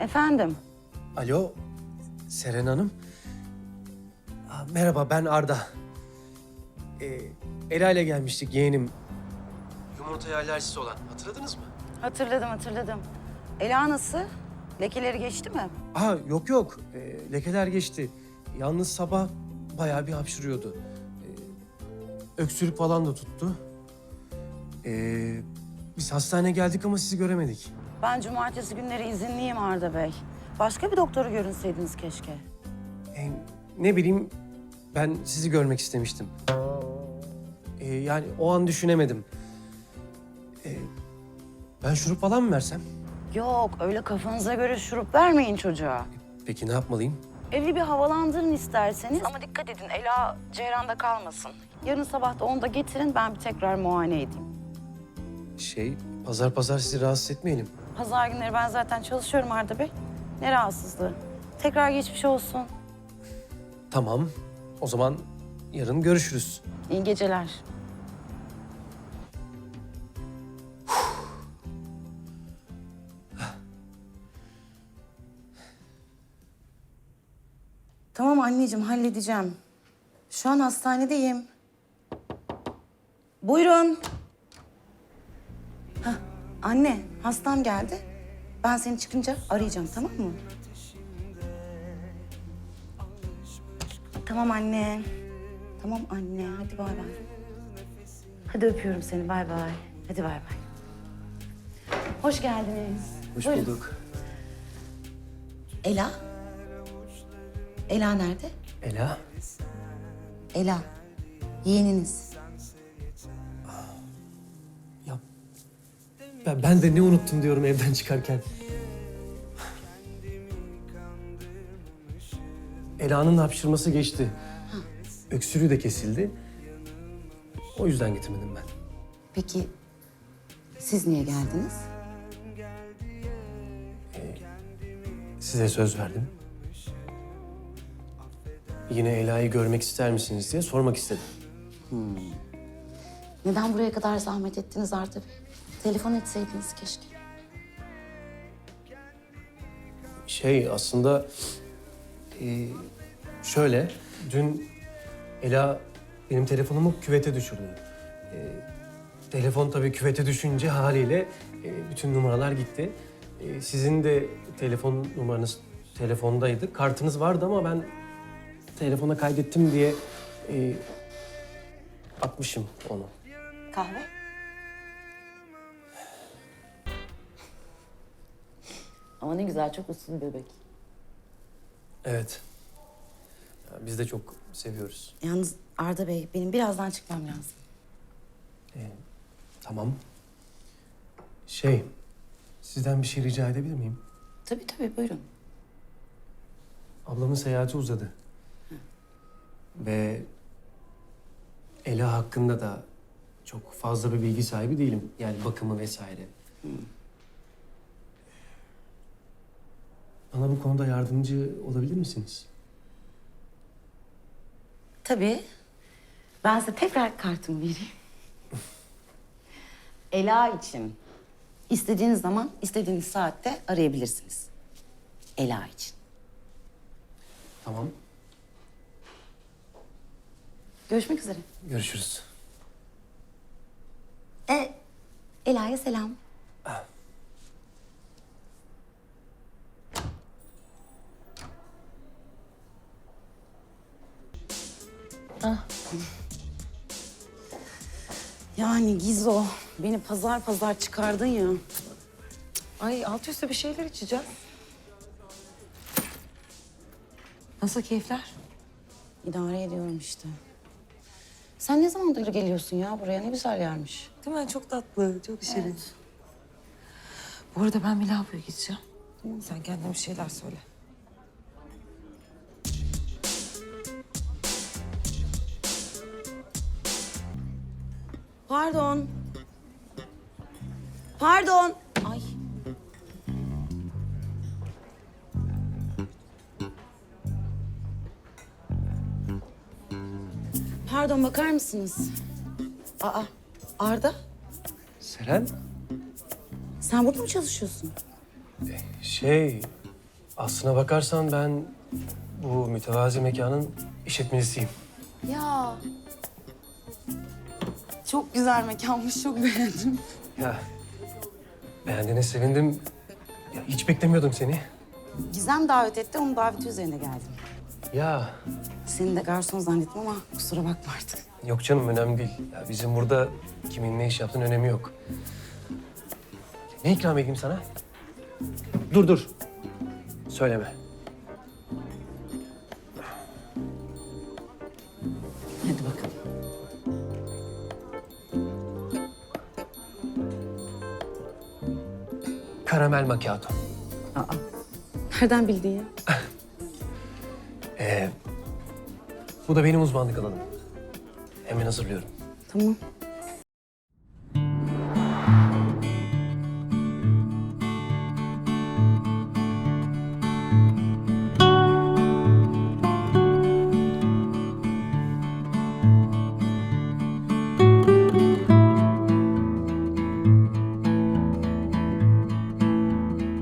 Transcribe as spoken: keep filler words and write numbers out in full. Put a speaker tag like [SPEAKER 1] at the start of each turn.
[SPEAKER 1] Efendim?
[SPEAKER 2] Alo, Seren Hanım. Aa, merhaba, ben Arda. Ee, Ela ile gelmiştik yeğenim. Yumurtaya alerjisi olan, hatırladınız mı?
[SPEAKER 1] Hatırladım, hatırladım. Ela nasıl? Lekeleri geçti mi?
[SPEAKER 2] Aa, yok yok, ee, lekeler geçti. Yalnız sabah bayağı bir hapşırıyordu. Ee, öksürük falan da tuttu. Ee, biz hastaneye geldik ama sizi göremedik.
[SPEAKER 1] Ben cumartesi günleri izinliyim Arda Bey. Başka bir doktoru görünseydiniz keşke.
[SPEAKER 2] Ee, ne bileyim, ben sizi görmek istemiştim. Ee, yani o an düşünemedim. Ee, ben şurup falan mı versem?
[SPEAKER 1] Yok, öyle kafanıza göre şurup vermeyin çocuğa.
[SPEAKER 2] Peki ne yapmalıyım?
[SPEAKER 1] Evi bir havalandırın isterseniz. Ama dikkat edin, Ela ceyranda kalmasın. Yarın sabah da onu da getirin, ben bir tekrar muayene edeyim.
[SPEAKER 2] Şey, pazar pazar sizi rahatsız etmeyelim.
[SPEAKER 1] Pazar günleri ben zaten çalışıyorum Arda Bey. Ne rahatsızlığı. Tekrar geçmiş olsun.
[SPEAKER 2] Tamam, o zaman yarın görüşürüz.
[SPEAKER 1] İyi geceler. Tamam anneciğim, halledeceğim. Şu an hastanedeyim. Buyurun. Hah, anne, hastam geldi. Ben seni çıkınca arayacağım, tamam mı? Tamam anne. Tamam anne, hadi bay bay. Hadi öpüyorum seni, bay bay. Hadi bay bay. Hoş geldiniz.
[SPEAKER 2] Hoş
[SPEAKER 1] Buyurun.
[SPEAKER 2] bulduk.
[SPEAKER 1] Ela? Ela nerede?
[SPEAKER 2] Ela,
[SPEAKER 1] Ela, yeğeniniz.
[SPEAKER 2] ya ben, ben de ne unuttum diyorum evden çıkarken. Ela'nın hapşırması geçti. Öksürüğü de kesildi. O yüzden getirmedim ben.
[SPEAKER 1] Peki siz niye geldiniz?
[SPEAKER 2] Size söz verdim. Yine Ela'yı görmek ister misiniz diye sormak istedim.
[SPEAKER 1] Neden buraya kadar zahmet ettiniz Arda Bey? Telefon etseydiniz keşke.
[SPEAKER 2] Şey aslında e, şöyle, dün Ela benim telefonumu küvete düşürdü. E, telefon tabii küvete düşünce haliyle e, bütün numaralar gitti. E, sizin de telefon numaranız telefondaydı. Kartınız vardı ama ben telefona kaydettim diye e, atmışım onu.
[SPEAKER 1] Kahve? Ama ne güzel, çok uslu bir bebek.
[SPEAKER 2] Evet. Ya, biz de çok seviyoruz.
[SPEAKER 1] Yalnız Arda Bey, benim birazdan çıkmam lazım.
[SPEAKER 2] E, tamam. Şey, sizden bir şey rica edebilir miyim?
[SPEAKER 1] Tabii tabii, buyurun.
[SPEAKER 2] Ablamın seyahati uzadı. Ve Ela hakkında da çok fazla bir bilgi sahibi değilim. Yani bakımı vesaire. Bana bu konuda yardımcı olabilir misiniz?
[SPEAKER 1] Tabii. Ben size tekrar kartımı vereyim. Ela için istediğiniz zaman, istediğiniz saatte arayabilirsiniz. Ela için.
[SPEAKER 2] Tamam.
[SPEAKER 1] Görüşmek üzere.
[SPEAKER 2] Görüşürüz.
[SPEAKER 1] E, Ela'ya selam. Yani Gizo, beni pazar pazar çıkardın ya.
[SPEAKER 3] Ay alt üstü bir şeyler içeceğim. Nasıl keyifler?
[SPEAKER 1] İdare ediyorum işte. Sen ne zamandır geliyorsun ya buraya? Ne güzel yermiş.
[SPEAKER 3] Değil mi? Çok tatlı, çok şirin. Bu arada ben bir lavaboya gideceğim. Sen kendine bir şeyler söyle.
[SPEAKER 1] Pardon. Pardon. Ay. Pardon, bakar mısınız? Aa, Arda,
[SPEAKER 2] Seren,
[SPEAKER 1] sen burada mı çalışıyorsun?
[SPEAKER 2] şey Aslına bakarsan ben bu mütevazi mekanın işletmecisiyim.
[SPEAKER 1] Ya. Çok güzel mekanmış, çok beğendim.
[SPEAKER 2] Ya beğendiğine sevindim. Ya, hiç beklemiyordum seni.
[SPEAKER 1] Gizem davet etti, onun daveti üzerine geldim.
[SPEAKER 2] Ya
[SPEAKER 1] Seni de garson zannettim ama kusura bakma artık.
[SPEAKER 2] yok canım, önemli değil. Ya, bizim burada kimin ne iş yaptığının önemi yok. Ne ikram edeyim sana? Dur dur. Söyleme.
[SPEAKER 1] Hadi bakalım.
[SPEAKER 2] Karamel macchiato.
[SPEAKER 1] Aa, nereden bildin ya?
[SPEAKER 2] Ee, bu da benim uzmanlık alanım. Hemen hazırlıyorum.
[SPEAKER 1] Tamam.